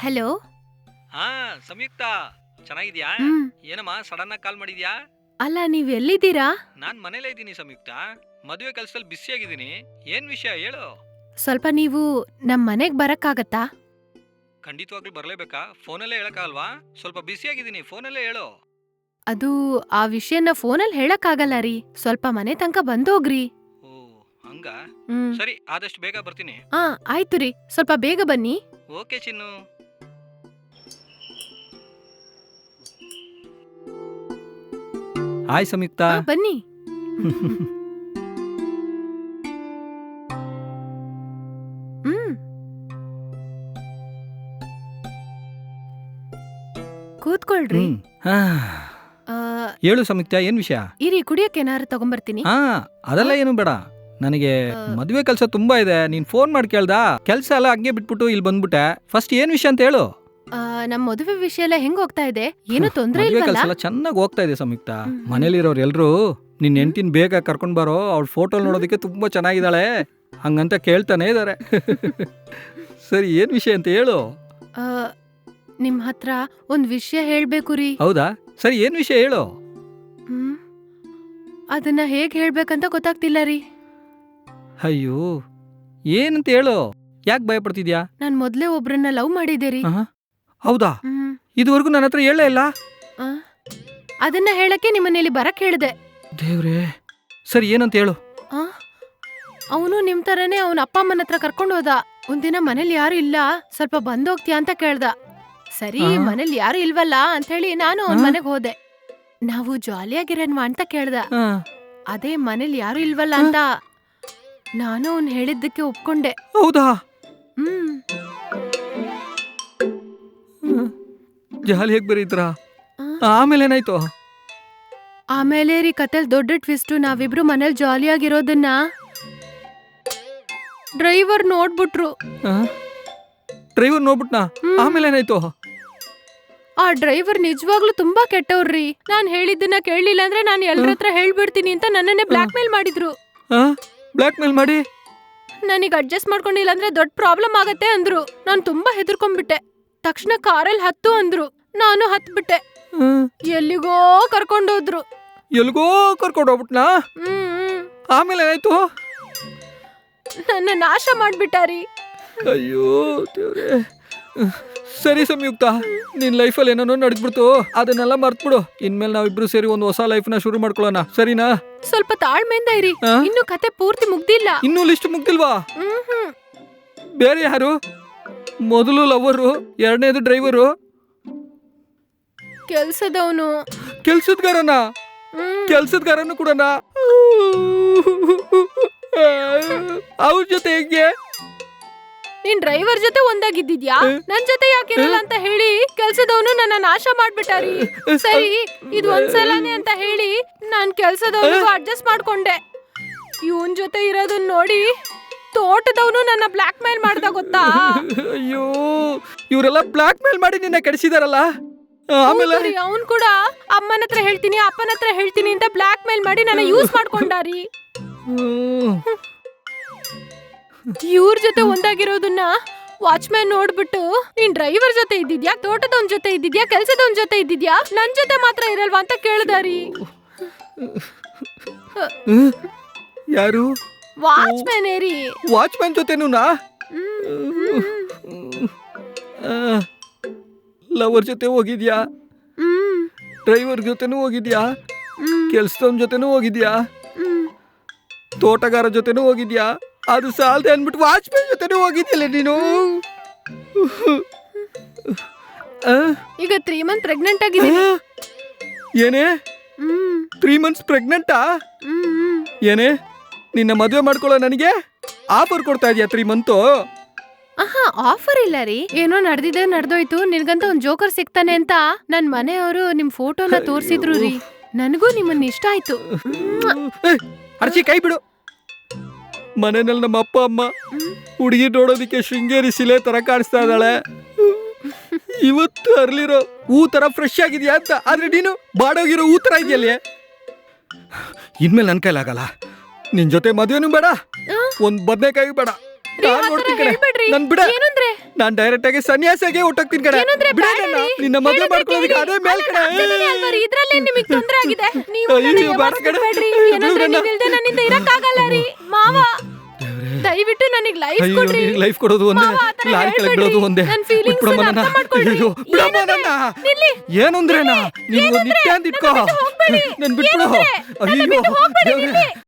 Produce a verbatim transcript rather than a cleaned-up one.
Hello. ಹಾ ಸಂಯುಕ್ತ, ಚೆನ್ನಾಗಿದ್ಯಾ? ಹ್ಮ್. ಏನಮ್ಮ ಸಡನ್ ಆಗಿ ಕಾಲ್ ಮಾಡಿದ್ಯಾ? ಅಲ್ಲ, ನೀವ್ ಎಲ್ಲಿದ್ದೀರಾ? ನಾನ್ ಮನೇಲೇ ಇದ್ದೀನಿ ಸಂಯುಕ್ತ. ಮದುವೆ ಕೆಲ್ಸದಲ್ಲಿ ಬಿಸಿ ಆಗಿದ್ದೀನಿ. ಏನ್ ವಿಷಯ ಹೇಳು. ಸ್ವಲ್ಪ ನೀವು ನಮ್ ಮನೆಗ್ ಬರಕ್ಕಾಗತ್ತಾ? ಖಂಡಿತವಾಗ್ಲೂ ಬರ್ಲೇಬೇಕಾ? ಫೋನಲ್ಲೇ ಹೇಳಕ್ಕಾಗಲ್ವಾ? ಸ್ವಲ್ಪ ಬಿಸಿ ಆಗಿದ್ದೀನಿ, ಫೋನಲ್ಲೇ ಹೇಳು. ಅದು ಆ ವಿಷಯನ ಫೋನಲ್ಲಿ ಹೇಳಕ್ಕಾಗಲ್ಲ ರೀ. ಸ್ವಲ್ಪ ಮನೆ ತನಕ ಬಂದೋಗ್ರಿ. ಓ ಹಂಗ? ಹ್ಮ್. ಸರಿ, ಆದಷ್ಟು ಬೇಗ ಬರ್ತೀನಿ. ಆ ಆಯ್ತು ರೀ, ಸ್ವಲ್ಪ ಬೇಗ ಬನ್ನಿ. ಓಕೆ ಚಿನ್ನು. ಹಾಯ್ ಸಂಯುಕ್ತ. ಆ, ಬನ್ನಿ. ಹ್ಮ್. ಕೂತ್ಕೊಳ್ರಿ. ಹ್ಮ್. ಹಾ. ಆ, ಹೇಳು ಸಂಯುಕ್ತ, ಏನ್ ವಿಷಯ? ಇರಿ, ಕುಡಿಯಕ್ಕೆ ಏನಾರು ತಗೊಂಬರ್ತೀನಿ. ಹಾ, ಅದೆಲ್ಲ ಏನು ಬೇಡ. ನನಗೆ ಆ. ಮದುವೆ ಕೆಲಸ ತುಂಬಾ ಇದೆ. ನೀನ್ ಫೋನ್ ಮಾಡಿ ಕೇಳ್ದ, ಕೆಲಸ ಎಲ್ಲ ಹಂಗೆ ಬಿಟ್ಬಿಟ್ಟು ಇಲ್ಲಿ ಬಂದ್ಬಿಟ್ಟೆ. ಫಸ್ಟ್ ಏನ್ ವಿಷಯ ಅಂತ ಹೇಳು. ಆ, ನಮ್ ಮದುವೆ ವಿಷಯ ಎಲ್ಲ ಹೆಂಗ್ ಹೋಗ್ತಾ ಇದೆ? ಏನು ತೊಂದ್ರೆ ಮದುವೆ ಇಲ್ವಲ್ಲ? ಕೆಲಸ ಎಲ್ಲ ಚೆನ್ನಾಗಿ ಹೋಗ್ತಾ ಇದೆ ಸಂಯುಕ್ತ. ಹ್ಮ್, ಹ್ಮ್. ಮನೇಲಿರೋರು ಎಲ್ರು ನಿನ್ ಹೆಂಡತಿನ ಬೇಗ ಕರ್ಕೊಂಡ್ ಬಾರೋ, ಅವಳ ಫೋಟೋ ನೋಡೋದಕ್ಕೆ ತುಂಬಾ ಚೆನ್ನಾಗಿದ್ದಾಳೆ ಹಂಗಂತ ಕೇಳ್ತಾನೆ ಇದಾರೆ. ಸರಿ, ಏನ್ ವಿಷಯ ಅಂತ ಹೇಳು. ಆ, ನಿಮ್ ಹತ್ರ ಒಂದ್ ವಿಷಯ ಹೇಳ್ಬೇಕು ರೀ. ಹೌದಾ? ಸರಿ, ಏನ್ ವಿಷಯ ಹೇಳು. ಹ್ಮ್. ಅದನ್ನ ಹೇಗ್ ಹೇಳ್ಬೇಕಂತ ಗೊತ್ತಾಗ್ತಿಲ್ಲ ರೀ. ಅಯ್ಯೋ, ಏನಂತ ಹೇಳು. ಯಾಕೆ ಭಯ ಪಡ್ತಿದ್ಯಾ? ನಾನ್ ಮೊದ್ಲೇ ಒಬ್ರನ್ನ ಲವ್ ಮಾಡಿದ್ದೆ ರೀ. ಆಹಾ, ಹೌದಾ? ಹ್ಮ್. ಇದುವರೆಗೂ ನನ್ನ ಹತ್ರ ಹೇಳೇ ಇಲ್ಲ. ಆ, ಅದನ್ನ ಹೇಳಕ್ಕೆ ನಿಮ್ಮನ್ನ ಇಲ್ಲಿ ಬರಕ್ ಹೇಳ್ದೆ. ದೇವ್ರೇ, ಸರಿ ಏನಂತ ಹೇಳು. ಆ, ಅವನು ನಿಮ್ ತರನೇ ಅವನ ಅಪ್ಪ ಅಮ್ಮನ ಹತ್ರ ಕರ್ಕೊಂಡು ಹೋದ. ಒಂದಿನ ಮನೇಲಿ ಯಾರು ಇಲ್ಲ, ಸ್ವಲ್ಪ ಬಂದೋಗ್ತೀಯಾ ಅಂತ ಕೇಳ್ದ. ಸರಿ, ಆ? ಮನೇಲಿ ಯಾರು ಇಲ್ವಲ್ಲ ಅಂತ ಹೇಳಿ ನಾನು ಅವನ್ ಆ? ಮನೆಗ್ ಹೋದೆ. ನಾವು ಜಾಲಿಯಾಗಿರೋನ್ವಾ ಅಂತ ಕೇಳ್ದ. ಆ, ಅದೇ ಮನೇಲಿ ಯಾರು ಇಲ್ವಲ್ಲ ಅಂತ ನಾನು ಅವ್ನ್ ಹೇಳಿದ್ದಕ್ಕೆ ಒಪ್ಕೊಂಡೆ. ಹೌದಾ? ಹ್ಮ್. ಜಾಲಿ ಹೇಗ್ ಬರೀತ್ರ? ಆ? ಆಮೇಲೆ ಏನಾಯ್ತು? ಆಮೇಲೆ ರೀ ಕತೆಲ್ ದೊಡ್ಡ ಟ್ವಿಸ್ಟು. ನಾವಿಬ್ರು ಮನೇಲಿ ಜಾಲಿಯಾಗಿರೋದನ್ನ ಡ್ರೈವರ್ ನೋಡ್ಬಿಟ್ರು. ಡ್ರೈವರ್ ನೋಡ್ಬಿಟ್ನಾ? ಹ್ಮ್. ಆಮೇಲೆ ಏನಾಯ್ತು? ಆ ಡ್ರೈವರ್ ನಿಜವಾಗ್ಲೂ ತುಂಬಾ ಕೆಟ್ಟವ್ರಿ. ನಾನ್ ಹೇಳಿದ್ದನ್ನ ಕೇಳಲಿಲ್ಲ ಅಂದ್ರೆ ನಾನು ಎಲ್ರ ಹತ್ರ ಹೇಳ್ಬಿಡ್ತೀನಿ ಅಂತ ನನ್ನನ್ನೇ ಬ್ಲಾಕ್ ಮೇಲ್ ಮಾಡಿದ್ರು. ಬ್ಲಾಕ್ ಮೇಲ್ ಮಾಡಿ? ನನಗ್ ಅಡ್ಜಸ್ಟ್ ಮಾಡ್ಕೊಂಡಿಲ್ಲ ಅಂದ್ರೆ ದೊಡ್ಡ ಪ್ರಾಬ್ಲಮ್ ಆಗತ್ತೆ ಅಂದ್ರು. ನಾನ್ ತುಂಬಾ ಹೆದರ್ಕೊಂಡ್ಬಿಟ್ಟೆ. ತಕ್ಷಣ ಕಾರಲ್ಲಿ ಹತ್ತು ಅಂದ್ರು. ನಾನು ಹತ್ಬಿಟ್ಟೆ. ಹ್ಮ್. ಎಲ್ಲಿಗೋ ಕರ್ಕೊಂಡೋದ್ರು. ಎಲ್ಗೋ ಕರ್ಕೊಂಡು ಹೋಗ್ಬಿಟ್ನಾ? ಹ್ಮ್. ಆಮೇಲೆ ಏನಾಯ್ತು? ನನ್ನ ನಾಶ ಮಾಡ್ಬಿಟ್ಟಾರಿ. ಅಯ್ಯೋ ದೇವ್ರೇ. ಸರಿ ಸಂಯುಕ್ತ, ನಿನ್ ಲೈಫಲ್ಲಿ ಏನೇನೋ ನಡೆದ್ಬಿಡ್ತು, ಅದನ್ನೆಲ್ಲ ಮರ್ತ್ಬಿಡು. ಇನ್ಮೇಲೆ ನಾವಿಬ್ರು ಸೇರಿ ಒಂದು ಹೊಸ ಲೈಫ್ನ ಶುರು ಮಾಡ್ಕೊಳ್ಳೋಣ, ಸರಿನಾ? ಸ್ವಲ್ಪ ತಾಳ್ಮೆಯಿಂದ ಇರಿ. ಆ? ಇನ್ನು ಕತೆ ಪೂರ್ತಿ ಮುಗ್ದಿಲ್ಲ. ಇನ್ನೂ ಲಿಸ್ಟ್ ಮುಗ್ದಿಲ್ವಾ? ಹ್ಮ್ ಹ್ಮ್. ಬೇರೆ ಯಾರು? ಮೊದಲು ಲವರು, ಎರಡನೇದು ಡ್ರೈವರು, ಕೆಲ್ಸದವನು. ಕೆಲ್ಸದ್ಗಾರನ? ಹ್ಮ್. ಕೆಲ್ಸದ್ಗಾರನು ಕೂಡನಾ? ಅವ್ರ ಜೊತೆ ಹೆಂಗೆ? ನೀನ್ ಡ್ರೈವರ್ ಜೊತೆ ಒಂದಾಗಿದ್ದಿದ್ಯಾ? ನನ್ ಜೊತೆ ಯಾಕಿರಲ್ಲ ಅಂತ ಹೇಳಿ ಕೆಲ್ಸದವನು ನನ್ನ ನಾಶ ಮಾಡ್ಬಿಟ್ಟಾರಿ. ಸರಿ, ಇದು ಒಂದ್ಸಲನೇ ಅಂತ ಹೇಳಿ ನಾನ್ ಕೆಲ್ಸದವನಿಗೂ ಅಡ್ಜಸ್ಟ್ ಮಾಡ್ಕೊಂಡೆ. ಇವನ್ ಜೊತೆ ಇರೋದನ್ನ ನೋಡಿ ತೋಟದವನು ನನ್ನ ಬ್ಲಾಕ್ ಮೇಲ್ ಮಾಡ್ದ, ಗೊತ್ತಾ? ಅಯ್ಯೋ, ಇವರೆಲ್ಲ ಬ್ಲಾಕ್ ಮೇಲ್ ಮಾಡಿ ನಿನ್ನ ಕೆಡಿಸಿದಾರಲ್ಲ. ಆಮೇಲೆ ಅವನ್ ಕೂಡ ಅಮ್ಮನ ಹತ್ರ ಹೇಳ್ತೀನಿ, ಅಪ್ಪನ ಹತ್ರ ಹೇಳ್ತೀನಿ ಅಂತ ಬ್ಲಾಕ್ ಮೇಲ್ ಮಾಡಿ ನನ್ನ ಯೂಸ್ ಮಾಡ್ಕೊಂಡಾರಿ. ಹ್ಮ್. ಇವ್ರ ಜೊತೆ ಒಂದಾಗಿರೋದನ್ನ ವಾಚ್ಮ್ಯಾನ್ ನೋಡ್ಬಿಟ್ಟು, ನೀನ್ ಡ್ರೈವರ್ ಜೊತೆ ಇದ್ದಿದ್ಯಾ, ತೋಟದವನ್ ಜೊತೆ ಇದ್ದಿದ್ಯಾ, ಕೆಲ್ಸದವನ್ ಜೊತೆ ಇದ್ದಿದ್ಯಾ, ನನ್ ಜೊತೆ ಮಾತ್ರ ಇರಲ್ವಾ ಅಂತ ಕೇಳ್ದಾರಿ. ಯಾರು? ವಾಚ್ಮ್ಯಾನ್ ಏರಿ. ವಾಚ್ಮ್ಯಾನ್ ಜೊತೆನೂನಾ? ಲವರ್ ಜೊತೆ ಹೋಗಿದ್ಯಾ? ಡ್ರೈವರ್ ಜೊತೆನೂ ಹೋಗಿದ್ಯಾ? ಕೆಲ್ಸದವನ್ ಜೊತೆನೂ ಹೋಗಿದ್ಯಾ? ತೋಟಗಾರ ಜೊತೆನೂ ಹೋಗಿದ್ಯಾ? ಅದು ಸಾಲದೆ ಅನ್ಬಿಟ್ಟು ವಾಚ್ಮ್ಯಾನ್ ಜೊತೆನೂ ಹೋಗಿದ್ಯಲ್ಲ ನೀನು. ಆ? ಈಗ ತ್ರೀ ಮಂತ್ ಪ್ರೆಗ್ನೆಂಟ್ ಆಗಿದ್ದೀನಿ. ಏನೇ? ತ್ರೀ ಮಂತ್ಸ್ ಪ್ರೆಗ್ನೆಂಟಾ? ಏನೇ, ನಿನ್ನ ಮದುವೆ ಮಾಡ್ಕೊಳ್ಳೋ ನನಗೆ ಆಫರ್ ಕೊಡ್ತಾ ಇದೀಯಾ ತ್ರೀ ಮಂತು? ಆಹಾ, ಆಫರ್ ಇಲ್ಲ ರೀ. ಏನೋ ನಡೆದಿದೆ ನಡೆದೋಯ್ತು. ನಿನ್ಗಂತ ಒಂದ್ ಜೋಕರ್ ಸಿಗ್ತಾನೆ ಅಂತ ನನ್ ಮನೆಯವರು ನಿಮ್ ಫೋಟೋನ ತೋರ್ಸಿದ್ರು ರೀ. ನನಗೂ ನಿಮ್ಮನ್ನ ಇಷ್ಟ ಆಯ್ತು. ಅರ್ಚಿ, ಕೈ ಬಿಡು. ಮನೆಯಲ್ಲಿ ನಮ್ಮ ಅಪ್ಪ ಅಮ್ಮ ಹುಡುಗಿ ನೋಡೋದಿಕ್ಕೆ ಶೃಂಗೇರಿ ಶಿಲೆ ತರ ಕಾಣಿಸ್ತಾ ಇದ್ದಾಳೆ. ಇವತ್ತು ಅರ್ಲಿರೋ ಹೂ ತರ ಫ್ರೆಶ್ ಆಗಿದ್ಯಾ ಅಂತ, ಆದ್ರೆ ನೀನು ಬಾಡೋಗಿರೋ ಹೂ ತರ ಇದೆಯಲ್ಲೇ. ಇನ್ಮೇಲೆ ನನ್ ಕೈಲಾಗಲ್ಲ. ನಿನ್ ಜೊತೆ ಮದುವೆನೂ ಬೇಡ, ಒಂದ್ ಬದನೆಕಾಯಿ ಬೇಡ. ನಾನ್ ನೋಡ್ತೀನಿ ಕಣೆ, ನನ್ ಬಿಡ. ಏನಂದ್ರೆ ನಾನ್ ಡೈರೆಕ್ಟ್ ಆಗಿ ಸನ್ಯಾಸಿಗೆ ಹೊಟ್ಟೋಗ್ತೀನಿ ಕಡೆ ಏನಂದ್ರೆ ಬಿಡು ಬೇಡ ನನ್ನ. ರೀ. ನಿನ್ನ ಮದುವೆ ಹೇಳಿದ್ರೆ ಮಾಡ್ಕೊಳ್ಳೋದಕ್ಕೆ ಕೇಳಿ. ಅದೇ ಮೇಲ್ ಅಲ್ಲ, ಕಡೆ ನಾನ್ ಜೊತೆನೇ ಅಲ್ವಾ ರೀ? ಇದ್ರಲ್ಲೇ ನಿಮಗೆ ತೊಂದ್ರೆ ಆಗಿದೆ. ನೀವು ಅಯ್ಯೋ, ನನ್ನ ಬೇಡ ಕಣೆ. ಯಾವತ್ತಿಗೂ ಬೇಡ್ರಿ. ಏನಂದ್ರೆ ನನ್ನ- ನೀವಿಲ್ದೆ ನನ್ನಿಂದ ಇರಕ್ಕಾಗಲ್ಲ ರೀ ಮಾವ. ದಯವಿಟ್ಟು ನನಗೆ ಲೈಫ್ ಅಯ್ಯೋ ಕೊಡ್ರಿ. ಲೈಫ್ ಕೊಡೋದು ಒಂದೇ, ಮಾವ, ಆ ಥರ ಲಾರಿ ಕೆಳಗೆ ಹೇಳ್ಬೇಡ್ರಿ. ಬಿಡೋದು ಒಂದೇ. ನನ್ feelings ಬಿಟ್ಬಿಡಮ್ಮ ಅನ್ನ ನನ್ನ. ಅರ್ಥ ಮಾಡ್ಕೊಳ್ರಿ. ಅಯ್ಯೋ, ಬಿಡಮ್ಮ ಏನಂದ್ರೆ? ನನ್ನ. ನಿಲ್ಲಿ. ಏನು ಅಂದ್ರೇನಾ? ನೀವು ಏನಂದ್ರೆ? ನಿತ್ಯ ಅಂದಿಟ್ಕೋ. ನನ್ನ ಬಿಟ್ಟು ಹೋಗ್ಬೇಡಿ. ನನ್ ಬಿಟ್ಬಿಡು. ಏನಂದ್ರೆ? ನನ್ನ ಅಯ್ಯೋ ಬಿಟ್ಟು ಹೋಗ್ಬೇಡಿ, ದೇವ್ರೇ. ನಿಲ್ಲಿ.